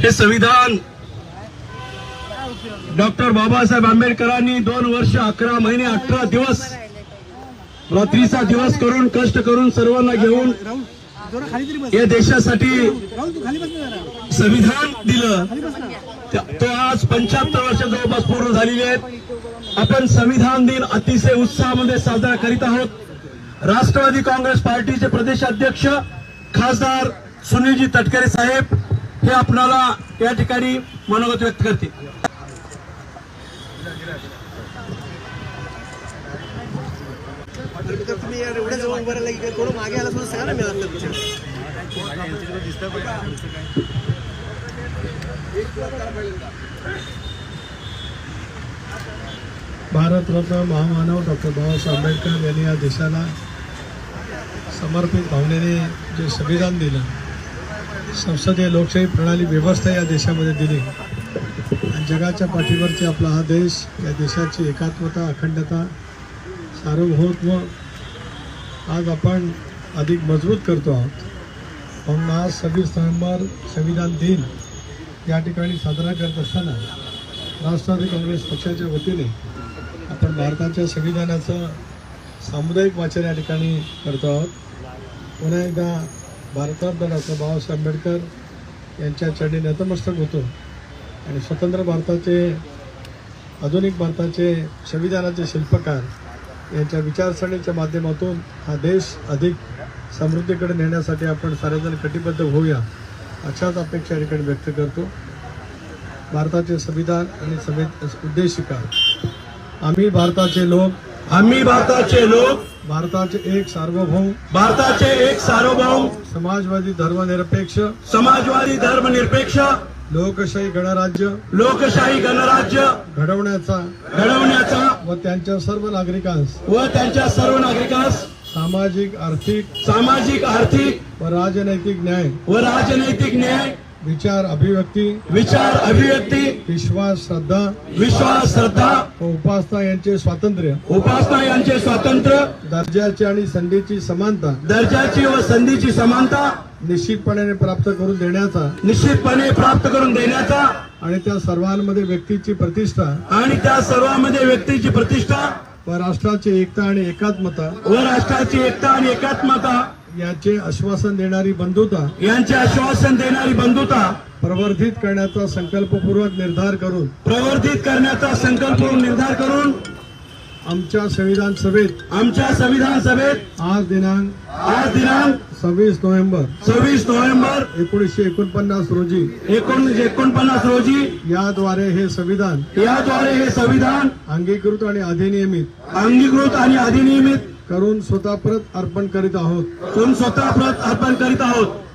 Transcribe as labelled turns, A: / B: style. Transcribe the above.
A: हे संविधान डॉक्टर बाबासाहेब आंबेडकरांनी 2 वर्ष 11 महिने 18 दिवस रात्रीचा दिवस करून कष्ट करून सर्वांना घेऊन या देशासाठी संविधान दिलं। तो आज 75 वर्ष जवळपास पूर्ण झालेली आहेत। आपण संविधान दिन अतिशय उत्साहामध्ये साजरा करीत आहोत। राष्ट्रवादी काँग्रेस पार्टीचे प्रदेशाध्यक्ष खासदार सुनीलजी तटकरे साहेब हे आपल्याला या ठिकाणी मनोगत व्यक्त करतील।
B: तुम्ही एवढ्या जवळ उभं राहिला की थोडं मागे आला सुद्धा सांगा ना मिळालं
C: भारतरत्न महामानव डॉक्टर बाबासाहेब आंबेडकर यांनी या देशाला समर्पित भावनेने जे संविधान दिलं, संसदीय लोकशाही प्रणाली व्यवस्था या देशामध्ये दिली आणि जगाच्या पाठीवरचे आपला हा देश, या देशाची एकात्मता, अखंडता, सार्वभौमत्व आज आपण अधिक मजबूत करतो आहोत। म्हणून आज 26 नोव्हेंबर संविधान दिन या ठिकाणी साजरा करत असताना राष्ट्रवादी काँग्रेस पक्षाच्या वतीने आपण भारताच्या संविधानाचं सामुदायिक वाचन या ठिकाणी करतो आहोत। पुन्हा एकदा भारतरत्न डॉक्टर बाबासाहेब आंबेडकर यांच्या चरणी नतमस्तक होतो आणि स्वतंत्र भारताचे, आधुनिक भारताचे संविधानाचे शिल्पकार यांच्या विचारसरणीच्या माध्यमातून हा देश अधिक समृद्धीकडे नेण्यासाठी आपण सारेजण कटिबद्ध होऊया अशाच अपेक्षा या ठिकाणी व्यक्त करतो। भारताचे संविधान आणि उद्देशिका, आम्ही भारताचे लोक, भारताचे एक सार्वभौम समाजवादी धर्मनिरपेक्ष लोकशाही गणराज्य घडवण्याचा व त्यांच्या सर्व नागरिकांस सामाजिक आर्थिक व राजनैतिक न्याय विचार अभिव्यक्ती विश्वास श्रद्धा व उपासना यांचे स्वातंत्र्य दर्जाची आणि संधीची समानता निश्चितपणे प्राप्त करून देण्याचा आणि त्या सर्वांमध्ये व्यक्तीची प्रतिष्ठा व राष्ट्राची एकता आणि एकात्मता याचे आश्वासन देणारी बंधुता प्रवर्धित करण्याचा संकल्पपूर्वक निर्धार करून आमच्या संविधान सभेत आज दिनांक 26 नोव्हेंबर 1949 रोजी याद्वारे हे संविधान अंगीकृत आणि अधिनियमित करून स्वतः परत अर्पण करीत आहोत।